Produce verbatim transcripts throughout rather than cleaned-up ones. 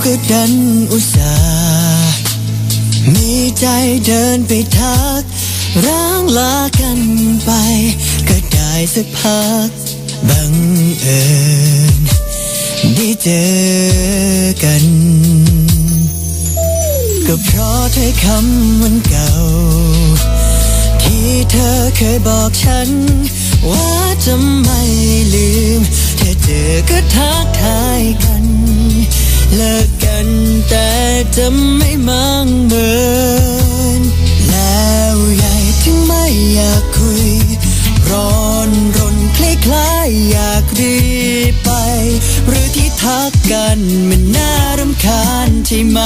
ก็ดันอุตส่าห์มีใจเดินไปทักร้างลากันไปก็ได้สักพักบังเอิญได้เจอกันก็เพราะถ้อยคำวันเก่าที่เธอเคยบอกฉันว่าจะไม่ลืมเธอเจอก็ทักทายกันเลิกกันแต่จะไม่มั่งเหมือนแล้วใหญ่ถึงไม่อยากคุยร้อนรนคล้ายๆอยากรีบไปหรือที่ทักกันมันน่ารำคาญใช่ไหม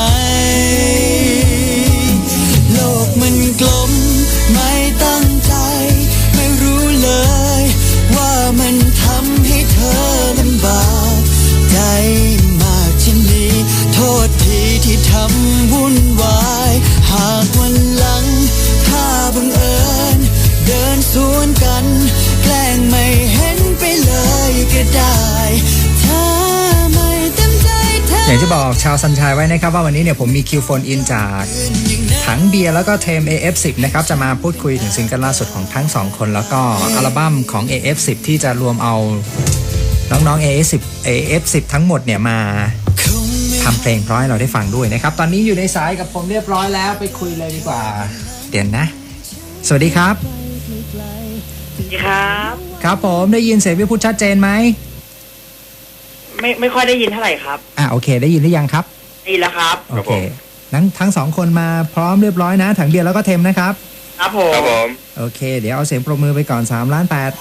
โลกมันกลมไม่ตั้งใจไม่รู้เลยว่ามันทำให้เธอลำบากใจมากเช่นนี้โทษทีที่ทำวุ่นวายหากวันหลังถ้าบังเอิญเดินสวนกันแกล้งไม่เห็นไปเลยก็ได้ถ้าไม่เต็มใจอย่างที่บอกชาวซันชายไว้นะครับว่าวันนี้เนี่ยผมมีคิวโฟนอินจากถังเบียร์แล้วก็เทม เอ เอฟ สิบ นะครับจะมาพูดคุยถึงซิงเกิลล่าสุดของทั้งสองคนแล้วก็อัลบั้มของ เอ เอฟ สิบ ที่จะรวมเอาน้องๆ เอ เอฟ สิบ เอ เอฟ สิบ ทั้งหมดเนี่ยมาทำเพลงเพราะให้เราได้ฟังด้วยนะครับตอนนี้อยู่ในสายกับผมเรียบร้อยแล้วไปคุยเลยดีกว่าเดี๋ยวนะสวัสดีครับสวัสดีครับครับผมได้ยินเสียงพี่พูดชัดเจนไหมไม่ไม่ค่อยได้ยินเท่าไหร่ครับอ่ะโอเคได้ยินหรือยังครับได้ยินแล้วครับโอเคทั้งทั้งสองคนมาพร้อมเรียบร้อยนะถังเบียร์แล้วก็เทมนะครับครับผมครับผมโอเคเดี๋ยวเอาเสียงปรบมือไปก่อนสามล้านแปด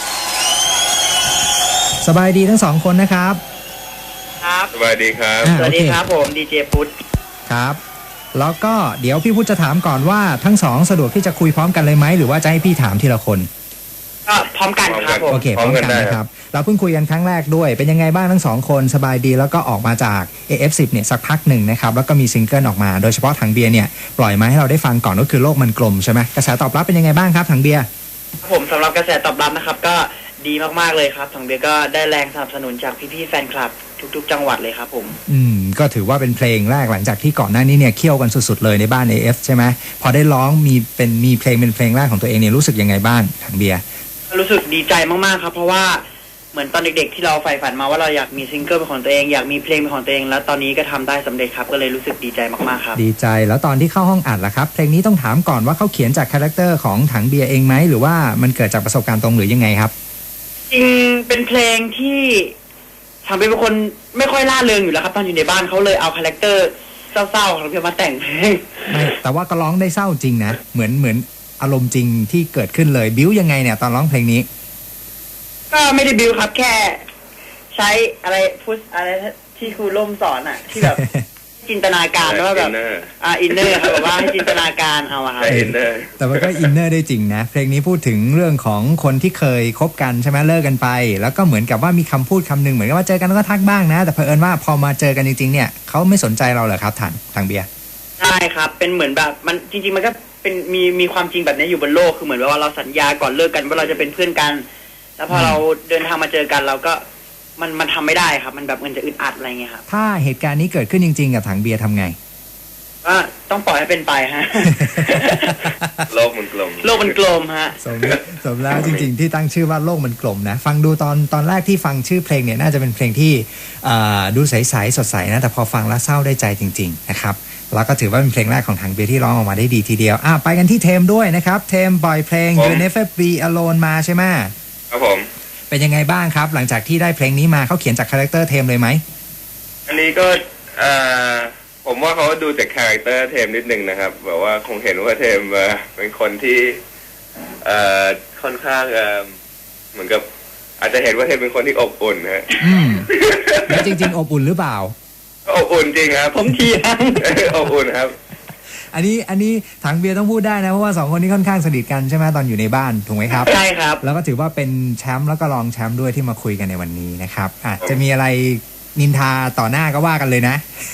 สบายดีทั้งสองคนนะครับครับสบายดีครับสวัสดีครับผมดีเจพุทธครับแล้วก็เดี๋ยวพี่พุทธจะถามก่อนว่าทั้งสองสะดวกที่จะคุยพร้อมกันเลยไหมหรือว่าจะให้พี่ถามทีละคนก็พร้อมกันครับผมโอเคพร้อมกันนะครับเราเพิ่งคุยกันครั้งแรกด้วยเป็นยังไงบ้างทั้งสองคนสบายดีแล้วก็ออกมาจาก เอ เอฟ สิบ เนี่ยสักพักหนึ่งนะครับแล้วก็มีซิงเกิลออกมาโดยเฉพาะถังเบียร์เนี่ยปล่อยมาให้เราได้ฟังก่อนก็คือโลกมันกลมใช่ไหมกระแสตอบรับเป็นยังไงบ้างครับถังเบียร์ผมสำหรับกระแสตอบรับนะครับก็ดีมากๆเลยครับถังเบียร์ก็ได้แรงสนับสนุนจากพี่ๆแฟนคลับทุกๆจังหวัดเลยครับผมอืมก็ถือว่าเป็นเพลงแรกหลังจากที่ก่อนหน้านี้เนี่ยเคี่ยวกันสุดๆเลยในบ้าน เอ เอฟ ใช่ไหมพอได้ร้องมีเป็นมีเพลงเป็นเพลงแรกของตัวเองเนี่ยรู้สึกยังไงบ้างถังเบียร์รู้สึกดีใจมากๆครับเพราะว่าเหมือนตอนเด็กๆที่เราใฝ่ฝันมาว่าเราอยากมีซิงเกิลเป็นของตัวเองอยากมีเพลงเป็นของตัวเองแล้วตอนนี้ก็ทำได้สำเร็จครับก็เลยรู้สึกดีใจมากๆครับดีใจแล้วตอนที่เข้าห้องอัดล่ะครับเพลงนี้ต้องถามก่อนว่าเขาเขียนจากคาแรคเตอร์ของถังเบียร์เองไหมหรือว่ามันเกิดจากประสบการณ์ตรงหรือยังไงครับจริงเป็นเพลงที่ถังเบียร์เป็นคนไม่ค่อยล่าเริงอยู่แล้วครับตอนอยู่ในบ้านเขาเลยเอาคาแรคเตอร์เศร้าๆของเพียงมาแต่งเพลงไม่แต่ว่าก็ร้องได้เศร้าจริงนะเหมือนเหมือนอารมณ์จริงที่เกิดขึ้นเลยบิ้วยังไงเนี่ยตอนร้องเพลงนี้ก็ไม่ได้บิ้วครับแค่ใช้อะไรพูดอะไรที่ครูล่มสอนอ่ะที่แบบจินตนาการว่าแบบอ่าอินเนอร์ครับแบบว่าให้จินตนาการเอาอะครับอินเนอร์แต่ว่าก็อินเนอร์ได้จริงนะเพลงนี้พูดถึงเรื่องของคนที่เคยคบกันใช่ไหมเลิกกันไปแล้วก็เหมือนกับว่ามีคำพูดคำนึงเหมือนกับว่าเจอกันแล้วก็ทักบ้างนะแต่เผอิญว่าพอมาเจอกันจริงๆเนี่ยเขาไม่สนใจเราเหรอครับถังถังเบียร์ใช่ครับเป็นเหมือนแบบมันจริงๆมันก็เป็นมีมีความจริงแบบนี้อยู่บนโลกคือเหมือนว่าเราสัญญาก่อนเลิกกันว่าเราจะเป็นเพื่อนกันแล้วพอเราเดินทางมาเจอกันเราก็มันมันทำไม่ได้ครับมันแบบมันจะอึดอัดอะไรเงี้ยครับถ้าเหตุการณ์นี้เกิดขึ้นจริงๆกับถังเบียร์ทำไงก็ต้องปล่อยให้เป็นไปฮะโลกมันกลมโลกมันกลมฮะสมสมแล้วจริงๆที่ตั้งชื่อว่าโลกมันกลมนะฟังดูตอนตอนแรกที่ฟังชื่อเพลงเนี่ยน่าจะเป็นเพลงที่ดูใสๆสดใสนะแต่พอฟังแล้วเศร้าได้ใจจริงๆนะครับแล้วก็ถือว่าเป็นเพลงแรกของถังเบียร์ที่ร้องออกมาได้ดีทีเดียวอ่ะไปกันที่เทมด้วยนะครับเทมปล่อยเพลง You Never Be Alone มาใช่ไหมครับผมเป็นยังไงบ้างครับหลังจากที่ได้เพลงนี้มาเขาเขียนจากคาแรคเตอร์เทมเลยไหมอันนี้ก็ผมว่าเขาดูจากคาแรคเตอร์เทมนิดนึงนะครับแบบว่าคงเห็นว่าเทมเป็นคนที่ค่อนข้างเหมือนกับอาจจะเห็นว่าเทมเป็นคนที่อบอุ่นฮะแล้วจริงๆอบอุ่นหรือเปล่าอบอุ่นจริงครับผมเทียงอบอุ่นครับอันนี้อันนี้ถังเบียร์ต้องพูดได้นะเพราะว่าสองคนนี้ค่อนข้างสนิทกันใช่ไหมตอนอยู่ในบ้านถูกไหมครับใช่ครับแล้วก็ถือว่าเป็นแชมป์แล้วก็รองแชมป์ด้วยที่มาคุยกันในวันนี้นะครับอาจจะมีอะไรนินทาต่อหน้าก็ว่ากันเลยนะ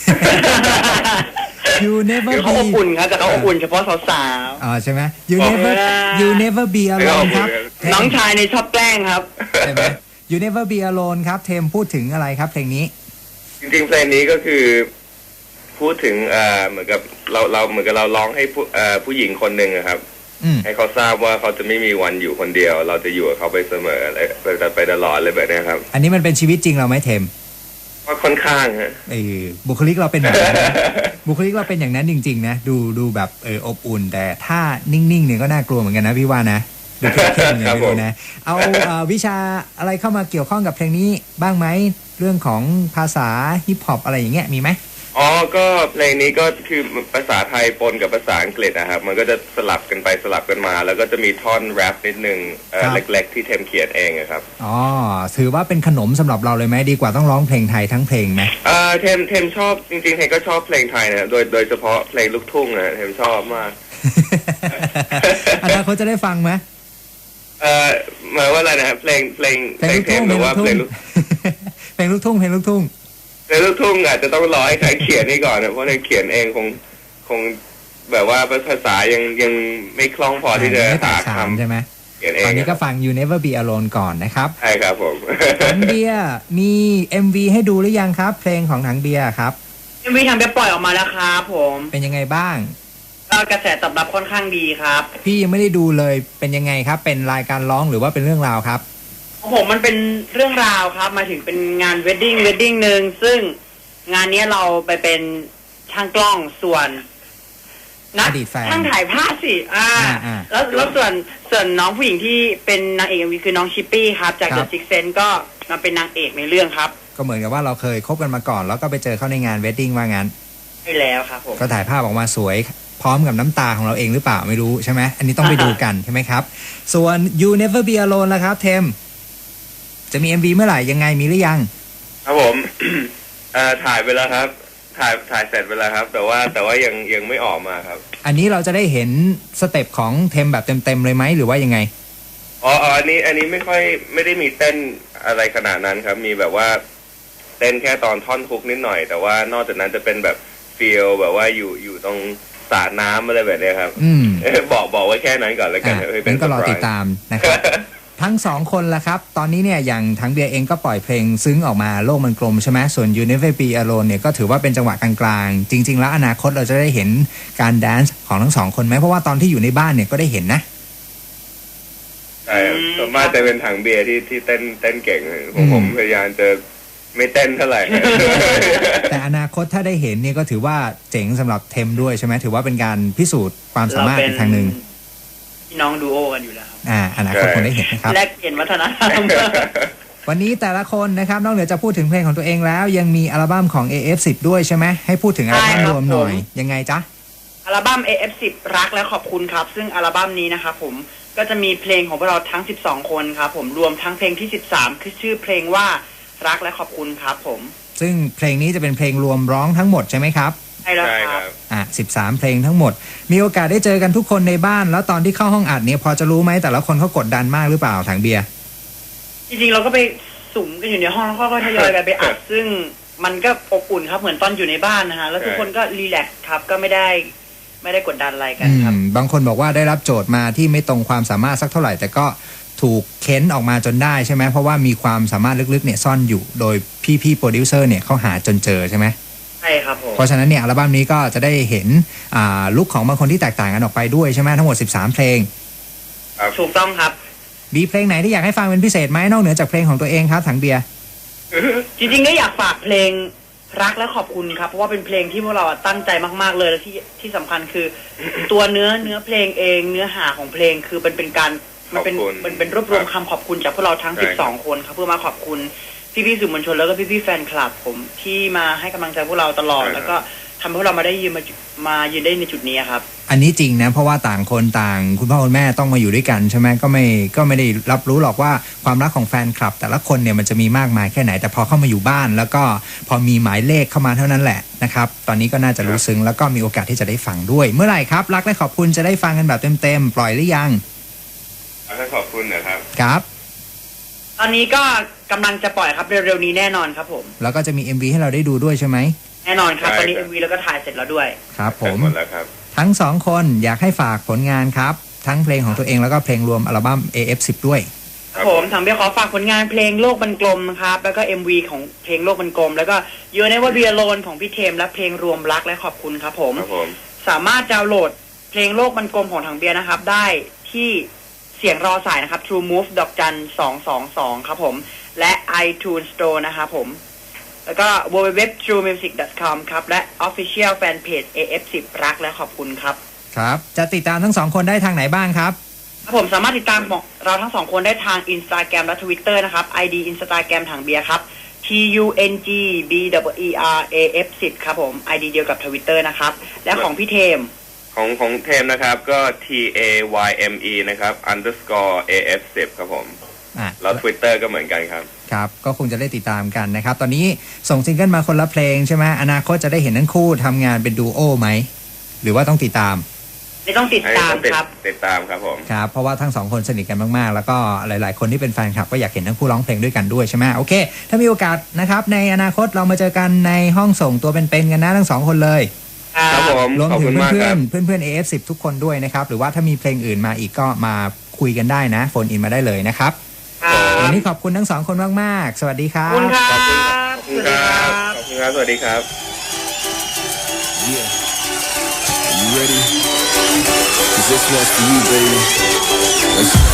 You never be เขาอบอุ่นครับแต่เขาอบอุ่นเฉพาะสาวๆอ๋อใช่ไหม You never You never be alone ครับน้องชายในชอบแกล้งครับใช่ไหม You never be alone ครับเทมพูดถึงอะไรครับเพลงนี้จริงๆเพลงนี้ก็คือพูดถึงเอ่อเหมือนกับเราเราเหมือนกับเราร้องให้ผู้เอ่อผู้หญิงคนหนึ่งอะครับอืมให้เขาทราบว่าเขาจะไม่มีวันอยู่คนเดียว เราจะอยู่กับเขาไปเสมออะไรไปไปตลอดเลยแบบนี้ครับอันนี้มันเป็นชีวิตจริงเราไหมเทมก็ค่อนข้างฮะเออบุคลิกเราเป็นแบบนั้นนะ บุคลิกเราเป็นอย่างนั้นจริงๆนะดูดูแบบเอออบอุ่น แต่ถ้านิ่งๆเนี่ยก็น่ากลัวเหมือนกันนะพี่ว่านะดูเข้มๆอย่างนี้ดูนะเอาเอ่อวิชาอะไรเข้ามาเกี่ยวข้องกับเพลงนี้บ้างไหมเรื่องของภาษาฮิปฮอปอะไรอย่างเงี้ยมีไหมอ๋อก็เพลงนี้ก็คือภาษาไทยปนกับภาษาอังกฤษนะครับมันก็จะสลับกันไปสลับกันมา แล้วก็จะมีท่อนแรปนิดนึงเอ่อเล็กๆที่เทมเขียนเองอะครับอ๋อถือว่าเป็นขนมสำหรับเราเลยไหมดีกว่าต้องร้องเพลงไทยทั้งเพลงไหมเอ่อเทมเทมชอบจริงๆเทมก็ชอบเพลงไทยนะโดยโดยเฉพาะเพลงลูกทุ่งนะเทมชอบมากอนาคตจะได้ฟังไหมเอ่อหมายว่าอะไรนะครับเพลงเพลงเพลงลูกเททุ่มงหรือว่าเพลงลูกเพลงลูกทุ่งเพลงลูกทุ่งเพลงลูกทุ่งอาจจะต้องรอให้ใครเขียนนี่ก่อนนะเพราะเทมเขียนเองคงคงแบบว่าภาษายังยังไม่คล่องพอที่จะไม่แตหากฉานคำใช่ไหมเขียนเอตอง นนี้ก็ฟัง You Never Be Alone ก่อนนะครับใช่ครับผมถังเบียร์มี เอ็ม วี ให้ดูหรือยังครับ เพลงของถังเบียร์ครับเอ็มวีทำไปปล่อยออกมาแล้วครับผมเป็นยังไงบ้างก็กระแสตอบรับค่อนข้างดีครับพี่ยังไม่ได้ดูเลยเป็นยังไงครับ เป็นรายการร้องหรือว่าเป็นเรื่องราวครับของผมมันเป็นเรื่องราวครับมาถึงเป็นงานเวดดิ้งเวดดิ้งหนึ่งซึ่งงานนี้เราไปเป็นช่างกล้องส่วนนะอดีตแฟนช่างถ่ายภาพสิอ่าอ่าอ่าแล้วแล้วส่วนส่วนน้องผู้หญิงที่เป็นนางเอกเอ็มวีคือน้องชิปปี้ครับจากครั The บ Sixth Sense ก็มาเป็นนางเอกในเรื่องครับก็เหมือนกับว่าเราเคยคบกันมาก่อน แล้วก็ไปเจอเขาในงานเวดดิ้งว่างั้นใช่แล้วครับผมก็ถ่ายภาพออกมาสวยพร้อมกับน้ำตาของเราเองหรือเปล่าไม่รู้ใช่ไหมอันนี้ต้องไปดูกันใช่ไหมครับ ส่วน You Never Be Alone ล่ะครับเทมจะมี เอ็ม วี เมื่อไหร่ยังไงมีหรือยังครับผม เอ่อถ่ายไปแล้วครับ ถ่ายถ่ายเสร็จไปแล้วครับ แต่ว่าแต่ว่ายังยังไม่ออกมาครับอันนี้เราจะได้เห็นสเต็ปของเทมแบบเต็มๆเลยไหมหรือว่ายังไงอ๋ออ๋ออันนี้อันนี้ไม่ค่อยไม่ได้มีเต้นอะไรขนาดนั้นครับ มีแบบว่าเต้นแค่ตอนท่อนฮุกนิดหน่อย แต่ว่านอกจากนั้นจะเป็นแบบฟีลแบบว่าอยู่อยู่ตรงสระน้ำอะไรแบบเนี้ยครับอืมเอ้ยบอกบอกไว้แค่นั้นก่อนแล้วกันอ่ะเฮ้ยงั้นก็รอเซติไพดตามนะครับ ทั้งสองคนละครับ ตอนนี้เนี่ยอย่างทั้งเบียร์เองก็ปล่อยเพลงซึ้งออกมาโลกมันกลมใช่ไหมส่วน You Never Be Alone เนี่ยก็ถือว่าเป็นจังหวะกลางๆ จริง ๆ แล้วอนาคตเราจะได้เห็นการแดนซ์ของทั้งสองคนไหมเพราะว่าตอนที่อยู่ในบ้านเนี่ยก็ได้เห็นนะใช่ครับส่วนมากจะเป็นถังเบียร์ที่ที่เต้นเต้นเก่งผมผมพยายามจะไม่เต้นเท่าไหร่แต่อนาคตถ้าได้เห็นเนี่ยก็ถือว่าเจ๋งสำหรับเทมด้วยใช่ไหมถือว่าเป็นการพิสูจน์ความสามารถอีกทางหนึ่งพี่น้องดูโอกันอยู่แล้วครับอ่าอนาคตคงได้เห็นนะครับแลกเปลี่ยนวัฒนธรรมวันนี้แต่ละคนนะครับนอกเหนือจะพูดถึงเพลงของตัวเองแล้ว ยังมีอัลบั้มของ เอ เอฟ สิบ ด้วยใช่ไหมให้พูดถึงอัลบั้มใช่ครับรวมหน่อยผมยังไงจ๊ะอัลบั้ม เอ เอฟ สิบ รักและขอบคุณครับ ซึ่งอัลบั้มนี้นะครับผมก็จะมีเพลงของพวกเราทั้งสิบสองคนครับผมรวมทั้งเพลงที่สิบสามคือชื่อเพลงว่ารักและขอบคุณครับผมซึ่งเพลงนี้จะเป็นเพลงรวมร้องทั้งหมดใช่ไหมครับใช่แล้วใช่คครัรับ บอ่ะสิบสามเพลงทั้งหมด มีโอกาสได้เจอกันทุกคนในบ้าน แล้วตอนที่เข้าห้องอัดเนี่ยพอจะรู้ไหมแต่ละคนเขากดดันมากหรือเปล่าถังเบียร์จริงๆเราก็ไปสุ่มกันอยู่ในห้องแล้วก็ทยอยกันไปอัด ซึ่งมันก็อบอุ่นครับเหมือนตอนอยู่ในบ้านนะฮะแล้วทุกคนก็รีแลกซ์ครับก็ไม่ได้ไม่ได้กดดันอะไรกันอืครับมบางคนบอกว่าได้รับโจทย์มาที่ไม่ตรงความสามารถสักเท่าไหร่ แต่ก็ถูกเค้นออกมาจนได้ใช่ไหมเพราะว่ามีความสามารถลึกๆเนี่ยซ่อนอยู่โดยพี่ๆโปรดิวเซอร์เนี่ยเขาหาจนเจอใช่ไหมใช่ครับผมเพราะฉะนั้นเนี่ยอัลบั้มนี้ก็จะได้เห็นอ่าลุคของบางคนที่แตกต่างกันออกไปด้วยใช่ไหมทั้งหมดสิบสามเพลงถูกต้องครับมีเพลงไหนที่อยากให้ฟังเป็นพิเศษไหมนอกเหนือจากเพลงของตัวเองครับถังเบียร์จริงๆก็อยากฝากเพลงรักและขอบคุณครับเพราะว่าเป็นเพลงที่พวกเราตั้งใจมากๆเลยและที่ที่สำคัญคือ ตัวเนื้อเนื้อเพลงเองเนื้อหาของเพลงคือมันเป็นการมันเป็นขอบคุณมันเป็นรวบรวมคำขอบคุณจากพวกเราทั้งใช่สิบสองคนครับเพื่อมาขอบคุณพี่ๆสื่อมวลชนแล้วก็พี่ๆแฟนคลับผมที่มาให้กำลังใจพวกเราตลอด แล้วก็ทำให้พวกเรามาได้ยืนมามายืนได้ในจุดนี้ครับอันนี้จริงนะเพราะว่าต่างคนต่างคุณพ่อคุณแม่ต้องมาอยู่ด้วยกันใช่ไหมก็ไม่ก็ไม่ได้รับรู้หรอกว่าความรักของแฟนคลับ แต่ละคนเนี่ยมันจะมีมากมายแค่ไหนแต่พอเข้ามาอยู่บ้าน แล้วก็พอมีหมายเลขเข้ามาเท่านั้นแหละนะครับตอนนี้ก็น่าจะรู้ซึ้งแล้วก็มีโอกาสที่จะได้ฟังด้วย เมื่อไหร่ครับรักและขอบคุณจะได้ฟังกันแบบเต็มๆปล่อยหรือยังขอบคุณนะครับครับตอนนี้ก็กำลังจะปล่อยครับเร็วๆนี้แน่นอนครับผมแล้วก็จะมี เอ็ม วี ให้เราได้ดูด้วยใช่ไหมแน่นอนครับใช่ตอนนี้ครัเอ็บมวีแล้วก็ถ่ายเสร็จแล้วด้วยครับผมหมดแล้วครับทั้งสองคนอยากให้ฝากผลงานครับทั้งเพลงของตัวเองแล้วก็เพลงรวมอัลบั้ม เอ เอฟ สิบ ด้วยคผมทางเบียร์ขอฝากผลงานเพลงโลกมันกลมนะครับแล้วก็ เอ็ม วี ของเพลงโลกมันกลมแล้วก็ You Never Be Alone ของพี่เทมและเพลงรวมรักและขอบคุณครับผมครับผมสามารถดาวน์โหลดเพลงโลกมันกลมของทางเบียร์นะครับได้ที่เสียงรอสายนะครับ True Move ดอกจันสองสองสองครับผมและ iTunes Store นะครับผมแล้วก็ ดับเบิลยู ดับเบิลยู ดับเบิลยู ดอท ทรูมิวสิก ดอท คอม ครับและ Official Fanpage เอ เอฟ สิบ รักและขอบคุณครับครับจะติดตามทั้งสองคนได้ทางไหนบ้างครับครับผมสามารถติดตามเราทั้งสองคนได้ทาง Instagram และ Twitter นะครับ ไอ ดี Instagram ทางเบียร์ครับ T U N G B E E R A F สิบ ครับผม ไอ ดี เดียวกับ Twitter นะครับและของพี่เทมของของเทมนะครับก็ T A Y M E นะครับ underscore A F สิบ ครับผมอ่ะแล้ว Twitter ก็เหมือนกันครับครับก็คงจะได้ติดตามกันนะครับตอนนี้ส่งซิงเกิลมาคนละเพลงใช่ไหมอนาคตจะได้เห็นทั้งคู่ทำงานเป็นดูโอไหมหรือว่าต้องติดตามไม่ต้องติดตามครับติดตามครับผมครับเพราะว่าทั้งสองคนสนิทกันมากๆแล้วก็หลายๆคนที่เป็นแฟนคลับก็อยากเห็นทั้งคู่ร้องเพลงด้วยกันด้วยใช่ไหมโอเคถ้ามีโอกาสนะครับในอนาคตเรามาเจอกันในห้องส่งตัวเป็นๆกันนะทั้งสองคนเลยครับผมรวมขอบถึคุงณมากเพื่คอรันบๆเพื่อนๆ เอ เอฟ สิบ ทุกคนด้วยนะครับหรือว่าถ้ามีเพลงอื่นมาอีกก็มาคุยกันได้นะโฟนอินมาได้เลยนะครับวันนี้ขอบคุณทั้งสองคนมากๆสวัสดีครัขอบคุณบครับขอบคุณครับขอบคุณครับสวัสดีครับ Yeah. Are you ready? 'Cause this one's for you, baby. Let's